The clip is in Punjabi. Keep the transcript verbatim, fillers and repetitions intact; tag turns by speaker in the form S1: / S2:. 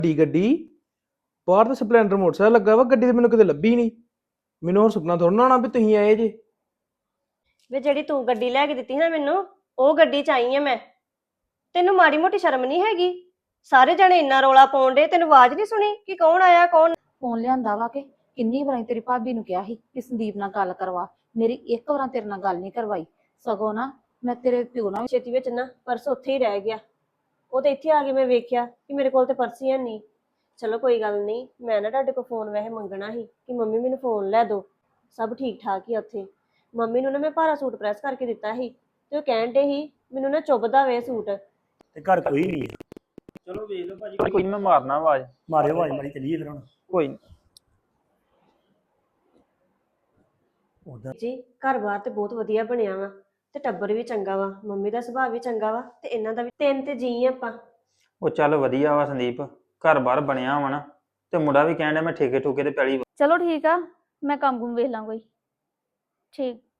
S1: ਗੱਡੀ ਗੱਡੀ ਬਾਹਰ ਤਾਂ ਸਪਲੈਂਡਰ ਮੋਟਰਸਾਈਕਲ ਲੱਗਾ ਵਾ, ਗੱਡੀ ਤੇ ਮੈਨੂੰ ਕਿਤੇ ਲੱਭੀ ਨਹੀਂ। ਮੈਨੂੰ ਹੁਣ ਸੁਪਨਾ ਥੋੜਾ ਨਾ ਆਉਣਾ ਵੀ ਤੁਸੀਂ ਆਏ ਜੇ।
S2: ਵੇ ਜਿਹੜੀ ਤੂੰ ਗੱਡੀ ਲੈ ਕੇ ਦਿੱਤੀ ਨਾ ਮੈਨੂੰ, ਉਹ ਗੱਡੀ ਚ ਆਈ ਆ ਮੈਂ। ਤੈਨੂੰ ਮਾੜੀ ਮੋਟੀ ਸ਼ਰਮ ਨਹੀਂ ਹੈਗੀ? ਸਾਰੇ ਜਣੇ ਇੰਨਾ ਰੌਲਾ ਪਾਉਣ ਡੇ, ਤੈਨੂੰ ਆਵਾਜ਼ ਨਹੀਂ ਸੁਣੀ ਕਿ ਕੌਣ ਆਇਆ ਕੌਣ?
S3: ਫੋਨ ਲਿਆਂਦਾ ਵਾ ਕਿ ਕਿੰਨੀ ਵਾਰੀ ਤੇਰੀ ਭਾਬੀ ਨੂੰ ਕਿਹਾ ਸੀ ਕਿ ਸੰਦੀਪ ਨਾਲ ਗੱਲ ਕਰਵਾ, ਮੇਰੀ ਇੱਕ ਵਾਰ ਤੇਰੇ ਨਾਲ ਗੱਲ ਨਹੀਂ ਕਰਵਾਈ। ਸਗੋਂ ਨਾ ਮੈਂ ਤੇਰੇ ਪਿਓ ਨਾਲ
S2: ਛੇਤੀ ਵਿੱਚ ਨਾ ਪਰਸ ਉੱਥੇ ਹੀ ਰਹਿ ਗਿਆ। ਉਹ ਤੇ ਇੱਥੇ ਆ ਕੇ ਮੈਂ ਵੇਖਿਆ ਕਿ ਮੇਰੇ ਕੋਲ ਤੇ ਪਰਸ ਹੀ ਹੈ ਨਹੀਂ। ਚਲੋ ਕੋਈ ਗੱਲ ਨਹੀਂ, ਮੈਂ ਨਾ ਤੁਹਾਡੇ ਕੋਲ ਫੋਨ ਵੈਸੇ ਮੰਗਣਾ ਸੀ ਕਿ ਮੰਮੀ ਮੈਨੂੰ ਫੋਨ ਲੈ ਦਿਓ। ਸਭ ਠੀਕ ਠਾਕ ਹੀ ਉੱਥੇ। ਮੰਮੀ ਨੂੰ ਨਾ ਮੈਂ ਭਾਰਾ ਸੂਟ ਪ੍ਰੈਸ ਕਰਕੇ ਦਿੱਤਾ ਸੀ ਤੇ ਉਹ ਕਹਿਣ ਡੇ ਸੀ ਮੈਨੂੰ ਨਾ ਚੁੱਭਦਾ ਵੇ ਸੂਟ।
S4: ਤੇ ਘਰ ਕੋਈ ਨਹੀਂ ਹੈ।
S5: ਚਲੋ ਵੇਖ ਲਓ ਭਾਜੀ, ਕੋਈ ਮੈਂ ਮਾਰਨਾ ਆਵਾਜ਼।
S4: ਮਾਰਿਓ ਆਵਾਜ਼ ਮਾਰੀ ਚੱਲੀਏ ਫਿਰ ਹੁਣ।
S5: ਕੋਈ ਨੀ।
S4: ਉਧਰ
S2: ਜੀ ਘਰ ਬਾਰ ਤੇ ਬਹੁਤ ਵਧੀਆ ਬਣਿਆ ਵਾ ਤੇ ਟੱਬਰ ਵੀ ਚੰਗਾ ਵਾ, ਮੰਮੀ ਦਾ ਸੁਭਾਅ ਵੀ ਚੰਗਾ ਵਾ ਤੇ ਇਹਨਾਂ ਦਾ ਵੀ। ਤਿੰਨ ਤੇ ਜੀ ਆਪਾਂ।
S5: ਉਹ ਚੱਲ ਵਧੀਆ ਵਾ ਸੰਦੀਪ, ਘਰ ਬਾਰ ਬਣਿਆ ਵਾ ਨਾ, ਤੇ ਮੁੰਡਾ ਵੀ ਕਹਿਣ ਡਿਆ ਮੈਂ ਠੇਕੇ ਠੂਕੇ ਤੇ ਪੈਲੀ।
S6: ਚਲੋ ਠੀਕ ਆ, ਮੈਂ ਕੰਮ ਕੁਮ ਵੇਖ ਲਾਂ ਕੋਈ। ਠੀਕ।